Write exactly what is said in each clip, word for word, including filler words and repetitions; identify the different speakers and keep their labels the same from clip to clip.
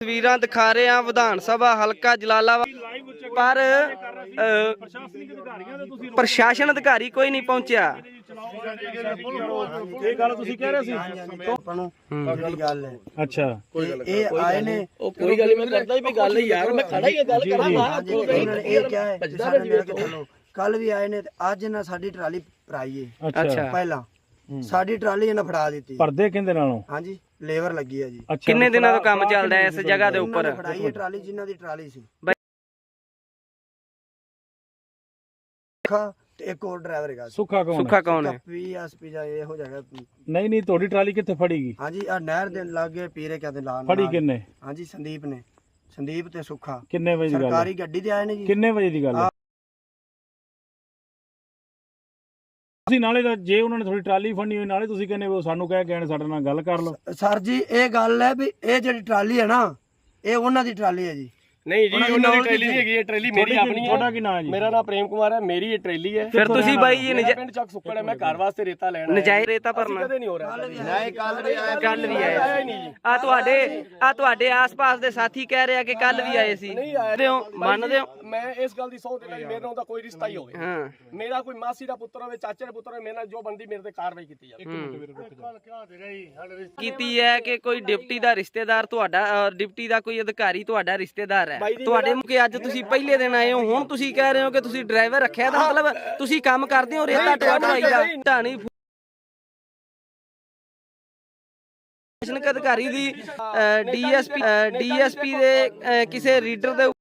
Speaker 1: ਤਸਵੀਰਾਂ ਦਿਖਾ ਰਹੇ ਹਾਂ ਵਿਧਾਨ ਸਭਾ ਹਲਕਾ ਜਲਾਲਾਬਾਦ, ਪਰ ਪ੍ਰਸ਼ਾਸਨ ਅਧਿਕਾਰੀ ਕੋਈ ਨਹੀਂ ਪਹੁੰਚਿਆ।
Speaker 2: ਇਹ ਗੱਲ ਤੁਸੀਂ ਕਹਿ ਰਹੇ ਸੀ
Speaker 3: ਆਪਾਂ ਨੂੰ ਜਿਹੜੀ ਗੱਲ ਹੈ
Speaker 2: ਅੱਛਾ
Speaker 3: ਇਹ ਆਏ ਨੇ
Speaker 1: ਉਹ ਕੋਈ ਗੱਲ ਮੈਂ ਕਰਦਾ ਹੀ ਵੀ ਗੱਲ ਯਾਰ ਮੈਂ ਖੜਾ ਹੀ ਗੱਲ ਕਰਾਂਗਾ।
Speaker 3: ਇਹਨਾਂ ਨੇ ਇਹ ਕਿਹਾ ਹੈ ਕਿ ਸਾਡੇ ਮੇਰੇ ਕੇ ਚਲੋ ਕੱਲ ਵੀ ਆਏ ਨੇ ਤੇ ਅੱਜ ਇਹਨਾਂ ਸਾਡੀ ਟਰਾਲੀ ਭਰਾਈ ਹੈ।
Speaker 2: ਅੱਛਾ
Speaker 3: ਪਹਿਲਾਂ ਸਾਡੀ ਟਰਾਲੀ ਇਹਨਾਂ ਫੜਾ ਦਿੱਤੀ।
Speaker 2: ਪਰਦੇ ਕਿੰਦੇ ਨਾਲੋਂ?
Speaker 3: ਹਾਂਜੀ ਲੇਬਰ ਲੱਗੀ ਹੈ ਜੀ।
Speaker 1: ਕਿੰਨੇ ਦਿਨਾਂ ਤੋਂ ਕੰਮ ਚੱਲਦਾ ਹੈ ਇਸ ਜਗ੍ਹਾ ਦੇ ਉੱਪਰ?
Speaker 3: ਫੜਾਈ ਹੈ ਟਰਾਲੀ ਜਿਨ੍ਹਾਂ ਦੀ ਟਰਾਲੀ ਸੀ ਤੇ ਇੱਕ ਹੋਰ ਡਰਾਈਵਰ ਹੈਗਾ।
Speaker 2: ਸੁੱਖਾ ਕੌਣ?
Speaker 1: ਸੁੱਖਾ ਕੌਣ ਹੈ?
Speaker 3: ਪੀਐਸਪੀ ਜਾਂ ਇਹੋ ਜਗ੍ਹਾ।
Speaker 2: ਨਹੀਂ ਨਹੀਂ ਤੁਹਾਡੀ ਟਰਾਲੀ ਕਿੱਥੇ ਫੜੀਗੀ?
Speaker 3: ਹਾਂਜੀ ਆ ਨਹਿਰ ਦੇ ਲਾਗੇ ਪੀਰੇ ਕਿਆ ਦੇ ਲਾਣ
Speaker 2: ਫੜੀ ਕਿੰਨੇ?
Speaker 3: ਹਾਂਜੀ ਸੰਦੀਪ ਨੇ, ਸੰਦੀਪ ਤੇ ਸੁੱਖਾ।
Speaker 2: ਕਿੰਨੇ ਵਜੇ ਦੀ ਗੱਲ?
Speaker 3: ਸਰਕਾਰੀ ਗੱਡੀ ਤੇ ਆਏ ਨੇ ਜੀ।
Speaker 2: ਕਿੰਨੇ ਵਜੇ ਦੀ ਗੱਲ ਹੈ? ਤੁਸੀਂ ਨਾਲੇ ਦਾ ਜੇ ਉਹਨਾਂ ਨੇ ਥੋੜੀ ਟਰਾਲੀ ਫੜਨੀ ਹੋਈ ਨਾਲੇ ਤੁਸੀਂ ਕਹਿੰਦੇ ਉਹ ਸਾਨੂੰ ਕਹਿ ਗਏ ਸਾਡੇ ਨਾਲ ਗੱਲ ਕਰ ਲਓ।
Speaker 3: ਸਰ ਜੀ ਇਹ ਗੱਲ ਹੈ ਵੀ ਇਹ ਜਿਹੜੀ ਟਰਾਲੀ ਹੈ ਨਾ ਇਹ ਉਹਨਾਂ ਦੀ ਟਰਾਲੀ ਹੈ ਜੀ।
Speaker 4: ਨਹੀਂ ਜੀ ਉਹਨਾਂ ਦੀ ਟਰੇਲੀ ਨਹੀਂ ਹੈਗੀ, ਇਹ ਟਰੇਲੀ ਮੇਰੀ ਆਪਣੀ ਹੈ।
Speaker 2: ਤੁਹਾਡਾ ਕੀ ਨਾਮ ਹੈ ਜੀ?
Speaker 4: ਮੇਰਾ ਨਾਮ ਪ੍ਰੇਮ ਕੁਮਾਰ ਹੈ, ਮੇਰੀ ਇਹ ਟਰੇਲੀ ਹੈ।
Speaker 1: ਫਿਰ ਤੁਸੀਂ ਬਾਈ ਜੀ
Speaker 4: ਪਿੰਡ ਚੱਕ ਸੁੱਕੜ ਹੈ, ਮੈਂ ਘਰ ਵਾਸਤੇ ਰੇਤਾ ਲੈਣਾ।
Speaker 1: ਨਜਾਇਜ਼ ਰੇਤਾ ਭਰਨਾ
Speaker 4: ਕਦੇ ਨਹੀਂ ਹੋ ਰਿਹਾ।
Speaker 3: ਨਹੀਂ ਕੱਲ ਵੀ ਆਇਆ
Speaker 1: ਕੱਲ ਵੀ ਆਏ ਆ ਤੁਹਾਡੇ ਆ ਤੁਹਾਡੇ ਆਸ-ਪਾਸ ਦੇ ਸਾਥੀ ਕਹਿ ਰਹੇ ਆ ਕਿ ਕੱਲ ਵੀ ਆਏ ਸੀ। ਮੰਨਦੇ ਹੋ? ਮੰਨਦੇ ਹੋ?
Speaker 4: ਮੈਂ ਇਸ ਗੱਲ ਦੀ ਸਹੁੰ ਦਿੰਦਾ ਜੀ ਮੇਰੇ ਨਾਲ ਦਾ ਕੋਈ ਰਿਸ਼ਤਾ ਹੀ ਹੋਵੇ।
Speaker 1: ਹਾਂ
Speaker 4: ਮੇਰਾ ਕੋਈ ਮਾਸੀ ਦਾ ਪੁੱਤਰ ਹੋਵੇ, ਚਾਚੇ ਦਾ ਪੁੱਤਰ ਹੋਵੇ, ਮੇਰੇ ਨਾਲ ਜੋ ਬੰਦੀ ਮੇਰੇ ਤੇ ਕਾਰਵਾਈ ਕੀਤੀ ਜਾਵੇ।
Speaker 1: ਕੀਤੀ ਹੈ ਕਿ ਕੋਈ ਡਿਪਟੀ ਦਾ ਰਿਸ਼ਤੇਦਾਰ ਤੁਹਾਡਾ ਡਿਪਟੀ ਦਾ ਕੋਈ ਅਧਿਕਾਰੀ ਤੁਹਾਡਾ ਰਿਸ਼ਤੇਦਾਰ ਹੈ ਤੁਹਾਡੇ ਕਿ ਅੱਜ ਤੁਸੀਂ ਪਹਿਲੇ ਦਿਨ ਆਏ ਹੋ, ਹੁਣ ਤੁਸੀਂ ਕਹਿ ਰਹੇ ਹੋ ਕਿ ਤੁਸੀਂ ਡਰਾਈਵਰ ਰੱਖਿਆ ਤਾਂ ਮਤਲਬ ਤੁਸੀਂ ਕੰਮ ਕਰਦੇ ਹੋ ਰੇਤਾ ਢੋਆਈ ਦਾ। ਢਾਣੀ ਪ੍ਰਸ਼ਾਸਨਿਕ ਅਧਿਕਾਰੀ ਦੀ ਡੀਐਸਪੀ ਡੀਐਸਪੀ ਦੇ ਕਿਸੇ ਰੀਡਰ ਦੇ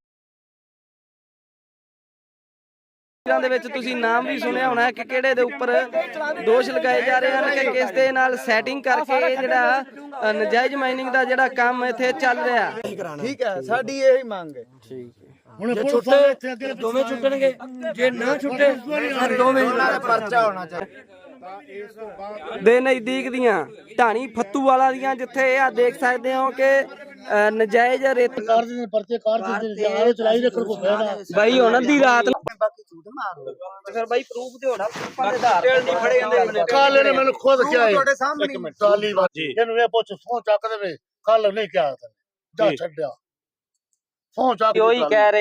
Speaker 1: ਦੇ ਵਿੱਚ ਤੁਸੀਂ ਨਾਮ ਵੀ ਸੁਣਿਆ ਹੋਣਾ ਕਿ ਕਿਹੜੇ ਦੇ ਉੱਪਰ ਦੋਸ਼ ਲਗਾਏ ਜਾ ਰਹੇ ਹਨ ਕਿ ਕਿਸ ਦੇ ਨਾਲ ਸੈਟਿੰਗ ਕਰਕੇ ਇਹ ਜਿਹੜਾ ਨਜਾਇਜ਼ ਮਾਈਨਿੰਗ ਦਾ ਜਿਹੜਾ ਕੰਮ ਇੱਥੇ ਚੱਲ ਰਿਹਾ।
Speaker 3: ਠੀਕ ਹੈ ਸਾਡੀ ਇਹੀ ਮੰਗ ਹੈ। ਠੀਕ ਹੈ ਹੁਣ ਛੁੱਟੇ ਦੋਵੇਂ ਛੁੱਟਣਗੇ, ਜੇ ਨਾ ਛੁੱਟੇ ਫਿਰ ਦੋਵੇਂ ਦਾ ਪਰਚਾ ਹੋਣਾ ਚਾਹੀਦਾ।
Speaker 1: ਦੇ ਨਜ਼ਦੀਕ ਦੀਆਂ ਢਾਣੀ ਫੱਤੂਵਾਲਾ ਦੀਆਂ ਜਿੱਥੇ ਆ ਦੇਖ ਸਕਦੇ ਹੋ ਕਿ ਨਜਾਇਜ਼ ਰੇਤ
Speaker 5: ਕਾਰ ਦੇ ਪਰਚੇ ਕਾਰ ਦੇ ਆਲੇ ਚਲਾਈ ਰੱਖਣ ਕੋ ਫਾਇਦਾ
Speaker 1: ਬਾਈ ਹੁਣ ਅੱਧੀ ਰਾਤ ਨੂੰ
Speaker 3: ਬਾਕੀ ਝੂਠ ਮਾਰੋ
Speaker 1: ਫਿਰ ਬਾਈ ਪ੍ਰੂਫ ਤੇ ਹੋਣਾ ਪ੍ਰੂਫਾਂ ਦੇ ਆਧਾਰ ਤੇ ਨਹੀਂ ਫੜੇ ਜਾਂਦੇ।
Speaker 5: ਕੱਲ ਨੇ ਮੈਨੂੰ ਖੁਦ ਕਿਹਾ
Speaker 3: ਤੁਹਾਡੇ ਸਾਹਮਣੇ
Speaker 5: ਇੱਕ ਮਿੰਟ ਟਰਾਲੀ ਵਾਜੀ ਇਹਨੂੰ ਇਹ ਪੁੱਛ ਫੋਨ ਚੱਕ ਦੇਵੇ ਕੱਲ ਨਹੀਂ ਕਿਹਾ ਜਾ ਛੱਡਿਆ ਫੋਨ ਚੱਕ
Speaker 1: ਉਹੀ ਕਹਿ ਰਹੇ